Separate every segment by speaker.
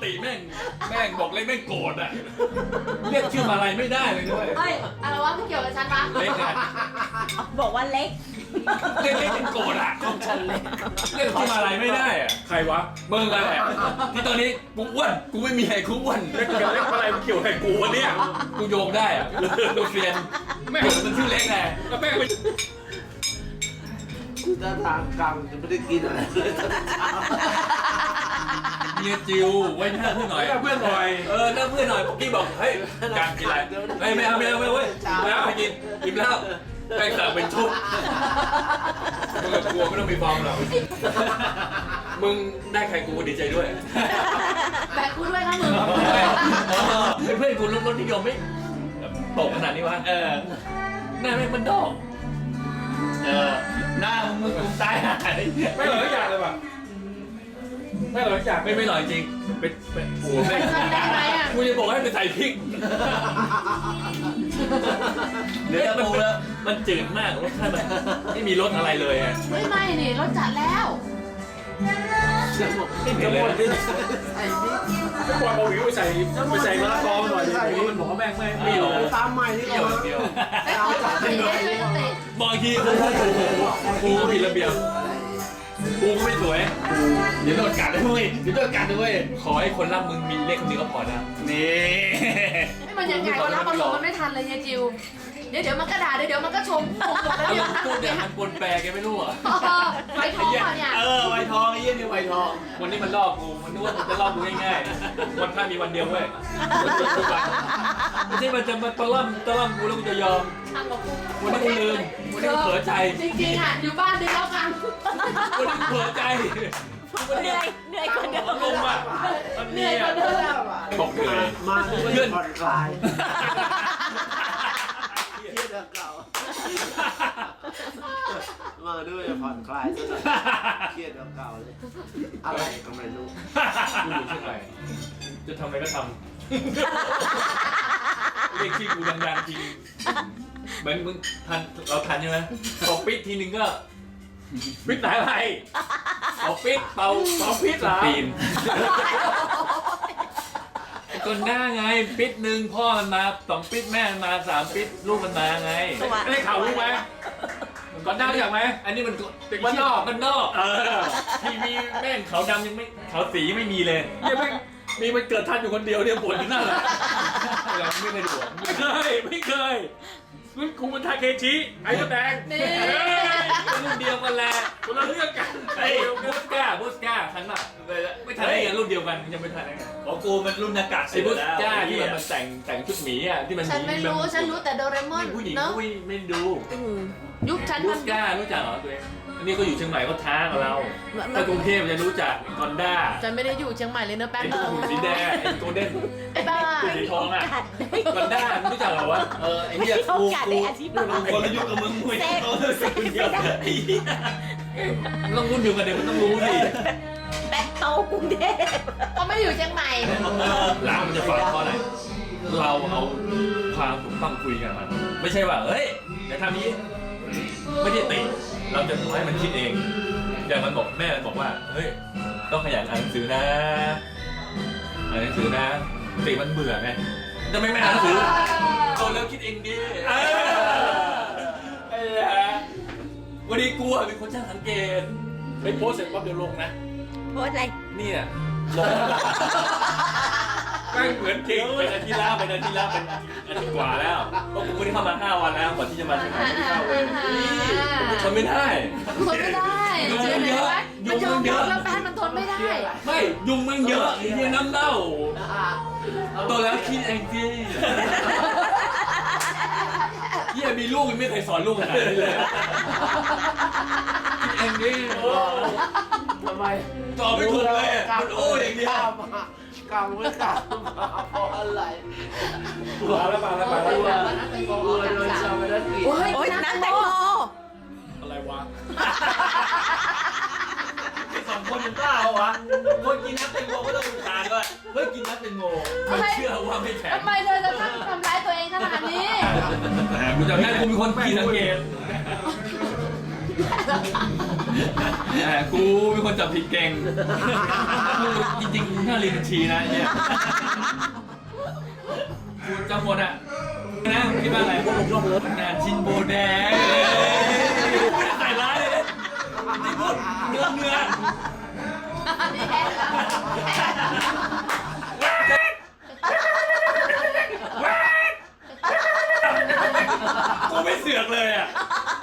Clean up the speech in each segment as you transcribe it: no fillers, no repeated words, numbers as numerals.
Speaker 1: ติแม่งบอกเล็กแม่งโกรธอ่ะเรียกชื่ออะไรไม่ได้เลยด้วย
Speaker 2: เฮ้ยอะไรวะไม่เกี่ยวกับฉันปะ
Speaker 1: เล็กอ่ะ
Speaker 3: บอกว่าเล็ก
Speaker 1: เรียกเป็นโกรธอ่ะของฉันเล็กเรียกชื่ออะไรไม่ได้อ่ะใครวะมึงอะไรที่ตอนนี้กูอ้วนกูไม่มีใครกูอ้วนเล็กอะไรเกี่ยวกับกูวะเนี่ยกูโยงได้อ่ะดูเฟียนแม่งมันชื่อเล็กไงแล้วแม่งไป
Speaker 4: ถ้าทางกลางจะไม่ได้กินอะไรเลย
Speaker 1: เมียจิวไว้หน้าเพื่อนหน่อยหน้าเพื่อนหน่อยหน้าเพื่อนหน่อยพี่บอกเฮ้ยการกินอะไรไม่เอาเว้ยแล้วไปกินแล้วแม่งสั่งเป็นชุดมึงกลัวไม่ต้องมีฟอร์มหรอกมึงได้ใครกูดีใจด้วย
Speaker 2: แบกกูด้วยนะมึง
Speaker 1: เพื่อนกูรถนิยมไม่ตกขนาดนี้วะหน้าแม่งมันดอกหน้ามึงกูตายหายไม่หล่อทุกอย่างเลยว่ะไม่หล่อทุกอย่างไม่หล่อจริงเป็นโอ้แม่งกูจะบอกให้ไปใส่พริกเนื้อปูแล้วมันจืดมากรสชาติมันไม่มีรสอะไรเลยอ่ะ
Speaker 2: ไม่นี่รถจัดแล้ว
Speaker 1: ไม่เห็นเลย
Speaker 5: ทุกวันเอาหวิวไปใส่มะละกอหน่อยดิมันบอกว่าแม่งไม่หรอก
Speaker 4: ตามใหม่นี่
Speaker 1: เดียว
Speaker 4: เรา
Speaker 1: เดียว
Speaker 2: ไอ้เขาจัดติได้ช่วยกันติ
Speaker 1: บางทีกูก็ผิดระเบียบกูก็ไม่สวยเดี๋ยวโดนกัดด้วยขอให้คนรักมึงมีเลขคนนี้ก็พอนะนี่
Speaker 2: ไม่มันยังไงวะรับอารมณ์มันไม่ทันเลยเนี่ยจิวเดี๋ยวมันก็ด่าเดี๋ยวมันก็ชมแล้ว
Speaker 1: อาร
Speaker 2: เดี๋ยว
Speaker 1: มณ์กูเนี่ยมันปนแปรแกไม่รู้อ่ะ
Speaker 2: ไฟทองอ่ะเนี่ย
Speaker 5: ไวทองไอ้เหี้ยนี่ไวทอง
Speaker 1: วันนี้มันลอกกูมันนึกว่ามันจะลอกกูง่ายๆวันพระมีวันเดียวเว้ยไม่ใช่มันจะมาตะล่อมกูแล้วกูจะยอม
Speaker 2: ทางกับกู
Speaker 1: วันนี้กูลืมวันนี้กูเผลอใจ
Speaker 2: จริงๆอ่ะอยู่บ้านดีแล้วกัน
Speaker 1: วันนี้กูเผลอใจ
Speaker 3: เหนื่อยกว่าเดิม
Speaker 1: ลงอ่ะมัน
Speaker 2: เห
Speaker 1: เนี่
Speaker 2: นื่อย
Speaker 1: ย
Speaker 2: กว่าเดิม
Speaker 1: บอกเลย
Speaker 4: มาด้วยผ่อนคลายเครียดเก่ามาด้วยผ่อนคลายซะหน่อยเครียดเก่าเลยอะไรก็ไม่รู้
Speaker 1: กูอยู่ที่ไหนจะทำอะไรก็ทำเรียกชื่อกูดังๆจริงเหมือนมึงทันเราทันใช่ไหมตบปิดทีนึงก็ปิดไหนอะไรตบปิดเป่าปิดเหรอปีนจนหน้าไงปิดหนึ่งพ่อมันมา2ปิดแม่มันมา3ปิดลูกมันมาไงไม่ได้ข่าวรู้ไหมก่อนหน้ารู้จักไหมอันนี้มันเด็กบ้านนอกทีวีแม่งขาวดำยังไม่ขาวสียังไม่มีเลยเนี่ยแม่งมีมันเกิดทันอยู่คนเดียวเนี่ยบ่นอยู่นั่นแหละเราไม่เคยดูไม่เคยรุ่นครูมันทาเคชิไอ้ตัวแดงรุ่นเดียวกันแหละคนละเรื่องกันไอ้บูสก้าทันป่ะไม่ทันได้ไงรุ่นเดียวกันยังไม่ทันได้ไง
Speaker 5: ของกูมันรุ่นอากาศ
Speaker 1: ไอ้บูสก้าที่มันแต่งชุดหมีอ่ะที่มัน
Speaker 2: ฉันไม่รู้ฉันรู้แต่โดเรมอน
Speaker 1: ผู้หญิง
Speaker 2: เนาะ
Speaker 1: ไม่ดู
Speaker 2: ยุคฉัน
Speaker 1: บู
Speaker 2: มัน
Speaker 1: สก้ารู้จักเหรอตัวเองอันนี้ก็อยู่เชียงใหม่ก็ท้ากับเราถ้ากรุงเทพจะรู้จักกอนด้า
Speaker 2: ฉันไม่ได้อยู่เชียงใหม่เลยเนอะแป๊บ
Speaker 1: ไอ้
Speaker 2: นึง
Speaker 1: หุ่นสีแดงไอ้โกลเด้น
Speaker 2: ไอ้บ้า
Speaker 1: ตัวสีทองอ่ะกอนด้ารู้จักเหรอวะ
Speaker 5: ไอ้เหี้ย
Speaker 3: โอกาสได้อธิบาย
Speaker 5: คนละยุคกับมึงมวยเขาสิ่งเดียวกันไอ้เหี้ย
Speaker 1: มันต้องรุ่นเดียวกันเดี๋ยวมันต้องรู้สิ
Speaker 3: แบ็คโตกรุงเทพ
Speaker 2: ก็ไม่อยู่เชียงใหม่
Speaker 1: หลังมันจะฟังเพราะอะไรเราเอาความถูกต้องคุยกันมันไม่ใช่ว่าเฮ้ยอย่าทำนี้ไม่ได้ติเราจะให้มันคิดเองอย่างมันบอกแม่มันบอกว่าเฮ้ยต้องขยันอ่านหนังสือนะติมันเบื่อไงจะไม่อ่านหนังสือโตแล้วคิดเองดิวันนี้กูเป็นคนช่างสังเกตไปโพสเสร็จปั๊บเดี๋ยวลงนะ
Speaker 3: โพสอะไร
Speaker 1: นี่อ่ะลงแม่งเหมือนจริงเป็นอาทิตย์ละเป็นอาทิตย์กว่าแล้วเพราะกูไม่ได้เข้ามา5 วันแล้วก่อนที่จะมาเชียงใหม่ที่เข้าเลยทนไม่ได้
Speaker 2: ทนไม่ได้มันยอมแล้วแป๊บมันทนไม่ได้
Speaker 1: ไม่ยุงมันเยอะไอ้เหี้ยน้ำเน่าโตแล้วคิดเองดิเหี้ยมีลูกยังไม่เคยสอนลูกขนาดนี้เลยคิดเองดิ
Speaker 4: ทำไม
Speaker 1: ตอบไม่ถูกเลยมันโอ้อย่างเดียว
Speaker 4: กำไม่กำเพราะอะไร
Speaker 5: มาแล้ว
Speaker 4: กูเลยโดนชาวบ้านกีด
Speaker 3: โอ๊ยน้ำแตงโม
Speaker 5: อะไรวะ
Speaker 1: 2 คนยังกล้าเหรอวะคนกินน้ำแตงโมก็ต้องดูทานด้วยเฮ้ยกินน้ำแตงโมไม่เชื่อว่าไม่แข็ง
Speaker 2: ทำไมเธอจะทำร้ายตัวเองขนาดนี้
Speaker 1: กูจำได้กูเป็นคนขี้สังเกตกูเป็นคนจับผิดเก่งจริงๆกูน่าเรียนบัญชีนะเนี่ยกูจำหมดอ่ะนะคิดว่าอะไรงานชินโบแดงไม่ได้ใส่ร้ายเลยนี่พูดเนื้อกูไม่เสือกเลยอ่ะ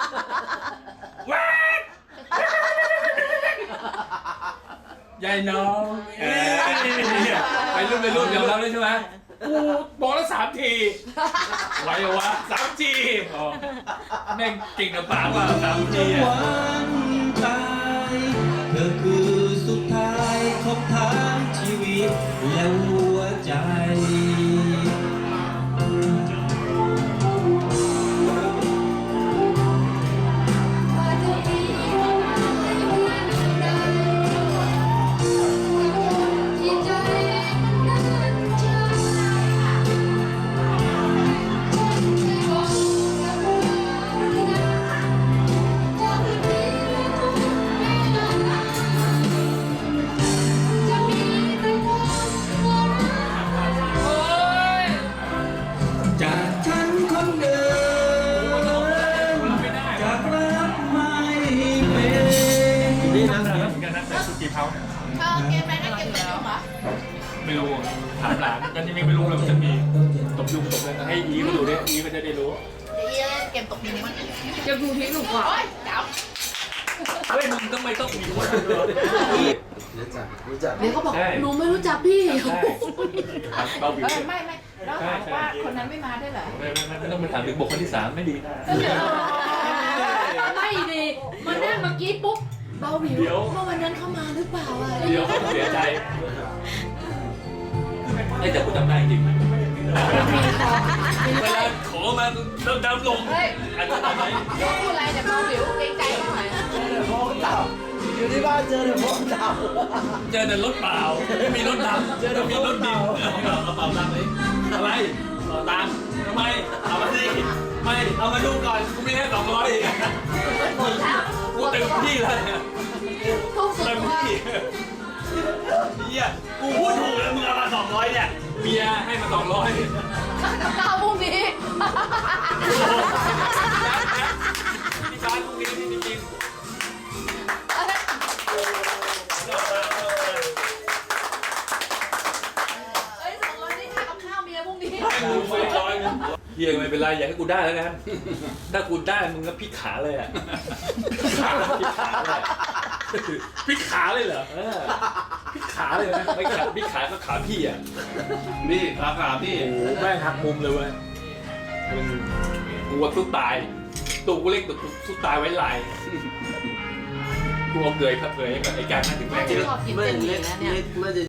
Speaker 1: ยายน้องไปรุ่นยอมรับเลยใช่ไหมกูบอกแล้ว3 ทีไหวเหรอวะ3 ทีแม่งเก่งกับปากว่า3 ทีอ่ะ
Speaker 6: ตายเธอคือสุดท้ายของทางชีวิตและหัวใจ จากฉันคนเดิมจากรักไม่เป็น
Speaker 5: นี่นะเหมือนกันนะแต่สุกี้เผาเนี่ย
Speaker 2: เธอเกมไปนั่นเกมไหนอยู่เหรอ
Speaker 5: ไม่รู้ถามหลานกันยังไม่รู้เลยมันจะมีตบยุงตบเลยให้อีมาดูดิอีมันจะได้รู้
Speaker 2: เดี๋ยวเกมตกนี้มันเกมดูทีถูกกว่าโอ๊ยจับ
Speaker 1: เฮ้ยมึงทำไมต้องมีวะ
Speaker 4: รู้จักรู้จัก
Speaker 2: เดี๋ยวเขาบอกหนูไม่รู้จักพี่
Speaker 1: ใช่เบาบิว
Speaker 2: ไม่แล้วถามว่าคนนั้นไม่มาได้เหรอ
Speaker 1: ไม่ต้องไปถามถึงบุคคลที่3ไม่ดีนะ
Speaker 2: ไม่ดีมานั่งเมื่อกี้ปุ๊บเบาหวิวเมื่อวันนั้นเขามาหรือเปล่าอ่ะ
Speaker 1: เดี๋ยวเขาเสียใจไอ้แต่กูจำได้จริงเวลาขอมาดำลง
Speaker 2: เฮ้ย
Speaker 1: อาจจะทำไหม
Speaker 2: พูดอะไรเนี่ยเบาหวิวเกรงใจเขาหน่อย
Speaker 4: อยู่ที่บ้านเจอแต่พวกเต่า
Speaker 1: เจอแต่รถเปล่าไม่มีรถดำเจอแต่มีรถดินกระเป๋าตังค์เลยอะไรตังค์ทำไมเอามาสิไม่เอามาดูก่อนกูมีแค่200เองกูเต็มที่แล้วเนี่ย
Speaker 2: ทุกสุด
Speaker 1: เต็ม
Speaker 2: ตัว
Speaker 1: ที่เฮียกูพูดถูกแล้วมึงเอามา200เนี่ยเมียให้มา200
Speaker 2: กับข้าวพรุ่งนี้
Speaker 1: ที่ร้านพรุ่งนี้ที่จริง
Speaker 2: 200นี่ค่ากับข้าวเมียพรุ่งนี้
Speaker 1: ให้มึง100เฮียไม่เป็นไรอยากให้กูได้แล้วกันถ้ากูได้มึงก็พลิกขาเลยอ่ะพลิกขาเลยเหรอพลิกขาเลยนะไม่ขาพลิกขาก็ขาพี่อ่ะ
Speaker 4: นี่ขาพี่
Speaker 5: โอ้แม่งหักมุมเลยเว้ย
Speaker 1: มึงกูว่าสู้ตายตัวกูเล็กตัวกูสู้ตายไว้ลายกูเอาเกยครับเกยไอ้การนั่นถึงแม่
Speaker 2: ชอบกิน
Speaker 4: ไม่
Speaker 2: เส้นหมี่
Speaker 4: เล็ก
Speaker 2: นะเนี่ย
Speaker 4: เล็กไม่ได้